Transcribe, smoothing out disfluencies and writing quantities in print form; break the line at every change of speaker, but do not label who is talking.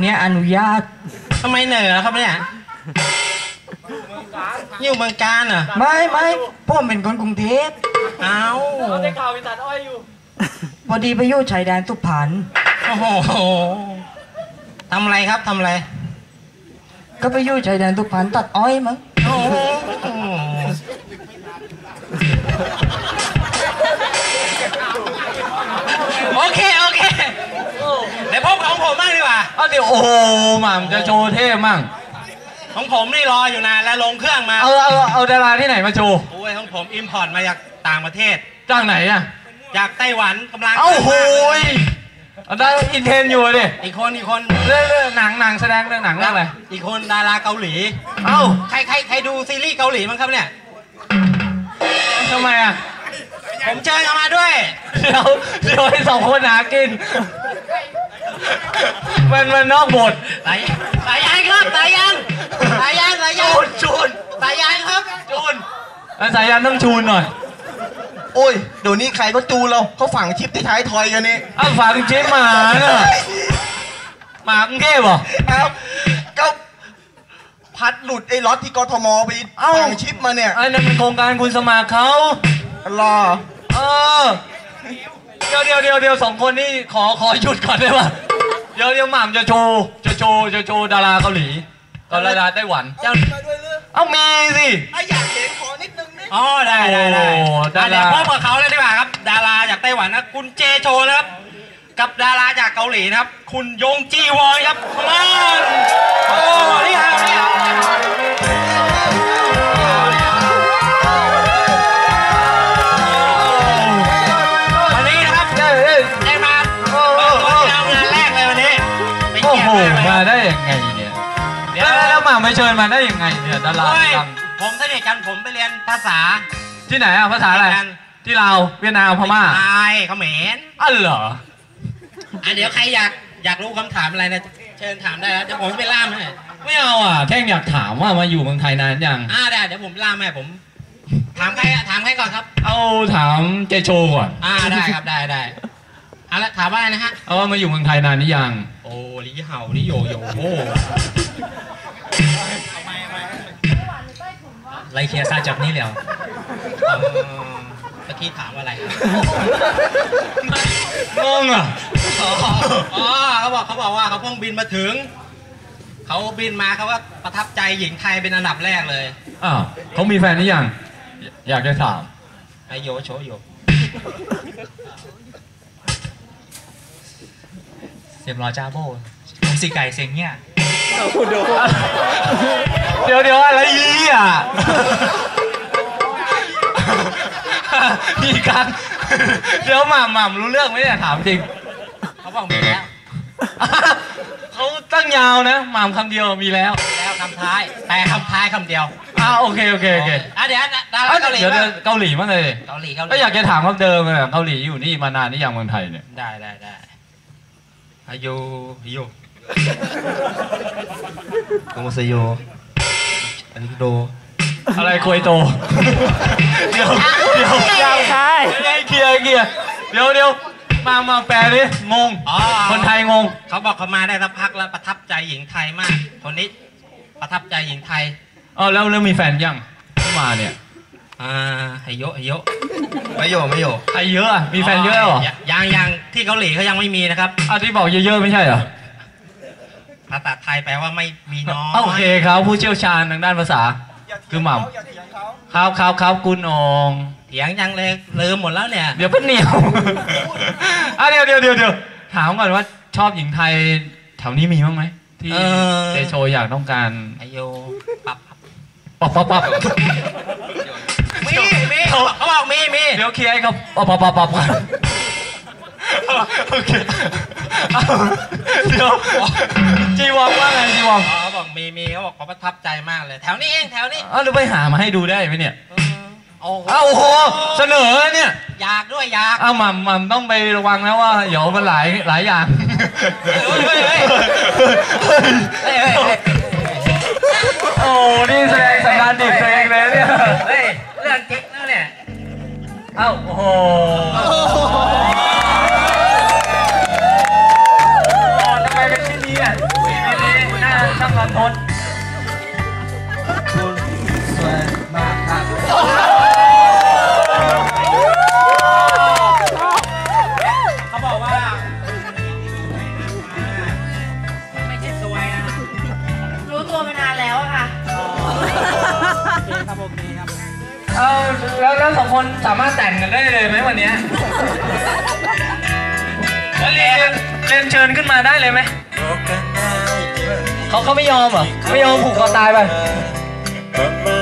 มียอนุญาต
ทำไมเหนื่อยครับเนี่ยอยู่เมืองการเหรอ
ไม่ผมเป็นคนกรุงเทพ
เอา
ได้ข่าวไปตัดอ้อยอยู่
พอดีไปอยู่ชายแดนสุพรรณ
โอ้โหทำอะไรครับทำอะไร
ก็ไปอยู่ชายแดนสุพรรณตัดอ้อยมั้ง
โอเคเดี๋ยวพบของผมบ้างดีกว่า
เดี๋ยวโอ้โหหม่ำจะโชว์เท่มั่ง
ของผมนี่รออยู่นานแล้วลงเครื่องมา
เอาดาราที่ไหนมาโชว์
โอ้ยของผมอิมพอร์ตมาจากต่างประเทศ
จากไหนอะ
จากไต้หวันกำลัง
โอ้โหได้อินเทนอยู่ดิ
อีกคน
เรื่องหนังแสดงเรื่องหนังเรื่องอะไร
อีกคนดาราเกาหลีใครดูซีรีส์เกาหลีมั้งครับเนี่ย
ทำไมอะ
ผมเชิญเขามาด้วย
เดี๋ยวให้สองคนหากินมันนอกบท
สายยันครับสายยัน
จูน
สายยันครับ
จูนสายยันต้องจูนหน่อย
โอ้ยเดี๋ยวนี้ใครก็จูนเราเขาฝังชิปที่ท้ายทอยกันนี่
ฝังชิปหมาเนี่ยหมากรุงเทพเหรอ
ครับก็พัดหลุดไอ้ล็อตที่กทมไปฝังชิปมาเนี่ย
ไอ้นั่นเป็นโครงการคุณสมัครเขา
รอ
เดี๋ยวสองคนนี่ขอหยุดก่อนได้ป่ะเดี๋ยวหม่ำจะโชว์ดาราเกาหลีกับดาราไต้หวันมีสิ
อยากเห็นขอนิดนึงนี่
ได้เดี๋ยวพบกับเขาเลยดีกว่าครับดาราจากไต้หวันนะคุณเจโชนะครับกับดาราจากเกาหลีนะครับคุณยงจีวอนครับมานี่ฮะวันนี้นะครับได้มา
มาได้ยังไงเนี่ยแล้วมาไม่เชิญมาได้ยังไงเนี่ยดาราดัง
ผมสนิทกันผมไปเรียนภาษา
ที่ไหนภาษาอะไรที่ลาวเวียดนามพม่า
ไทยเขมร
เหรอ
เดี๋ยวใครอยากรู้คำถามอะไรนะเชิญถามได้แล้วเดี๋ยวผมไปล่ามให้
ไม่เอาแค่อยากถามว่ามาอยู่เมืองไทยนานยัง
ได้เดี๋ยวผมล่ามให้ผมถามใครก่อนครับ
เอาถามเจโชก่อน
ได้ครับได้แล้วถามว่าอะไรนะฮะ
ว่ามาอยู่เมืองไทยนานหรือยัง
โอ้ลิเห่าลิโยโอ้ไรเคียร์ซาจับนี่แล้วเมื่อกี้ถามอะไร
งง
เขาบอกว่าเขาเพิ่งบินมาถึงเขาบินมาเขาว่าประทับใจหญิงไทยเป็นอันดับแรกเลย
เขามีแฟนหรือยังอยากจะถาม
ไอโยโชโยเสียบรอจ้าโบผมสีไก่เสียงเนี่ย
เดี๋ยวอะไรมีกันเดี๋ยวหม่ำรู้เรื่องไหมเนี่ยถามจริง
เขาบอกมีแล้ว
เขาตั้งยาวนะหม่ำคำเดียวมีแล้ว
คำท้ายแต่คำท้ายคำเดียว
โอเคเดี๋ยว
เกาหลี
เกาหลีมั้งเลยก็อยากจะถามคำเดิมเลยเกาหลีอยู่นี่มานานนี่อย่างเมืองไทยเนี่ย
ได้อายุ
โกโมเซโยอันนี้โด
อะไรคุยโตเดี๋ยวยาวใช่เคลียร์เดี๋ยวมาแปลดิงงคนไทยงง
เขาบอกเขามาได้สักพักแล้วประทับใจหญิงไทยมากคนนี้ประทับใจหญิงไทย
แล้วมีแฟนยังมาเนี่ย
ไฮโย
ไม่โยไฮเ
ยอะมีแฟนเยอะหรอ
ยังที่เกาหลีเขายังไม่มีนะครับ
ที่บอกเยอะๆไม่ใช่เหรอ
ภาษาไทยแปลว่าไม่มีน้อย
โอเคครับผู้เชี่ยวชาญทางด้านภาษาคือหม่ำครับคุณอง
เถียงยังเลยลืมหมดแล้วเนี่ย
เดี๋ยวเป็นเหนียวเดี๋ยวถามก่อนว่าชอบหญิงไทยแถวนี้มีบ้างไหมที่เจโชอยากต้องการ
ไอโยปับมีเขาบอกมี
เดี๋ยวเคลียร์เขาปับกันโอเคเดี๋ยวจีวองว่าไงจีวอง
เขาบอกมีเขาบอกเขาประทับใจมากเลยแถวนี้เองแถวนี้
หรือไปหามาให้ดูได้ไหมเนี่ย
โอ้
โหเสนอเนี่ย
อยาก
หม่ำต้องไประวังนะว่าเดี๋ยวมันหลายอย่างโอ้นี่แสดงสัญญาณดิบตัวเองเลยเนี่ย
เรื่องเจ๊กแล้วเนี่ย
โอ้โหทำไมเป็นที่นี้รันทด
คุณสวยมากครับ
เขาบอกว่าไม่ใช่สวยนะ
รู้ตัวมานานแล้วอะค่ะ
โอเคครับโอเคครับ
เอาแล้วสองคนสามารถแต่งกันได้เลยไหมวันเนี้ยแล้วเรียนเชิญขึ้นมาได้เลยไหมเขาไม่ยอมเหรอไม่ยอมผูกคอตายไป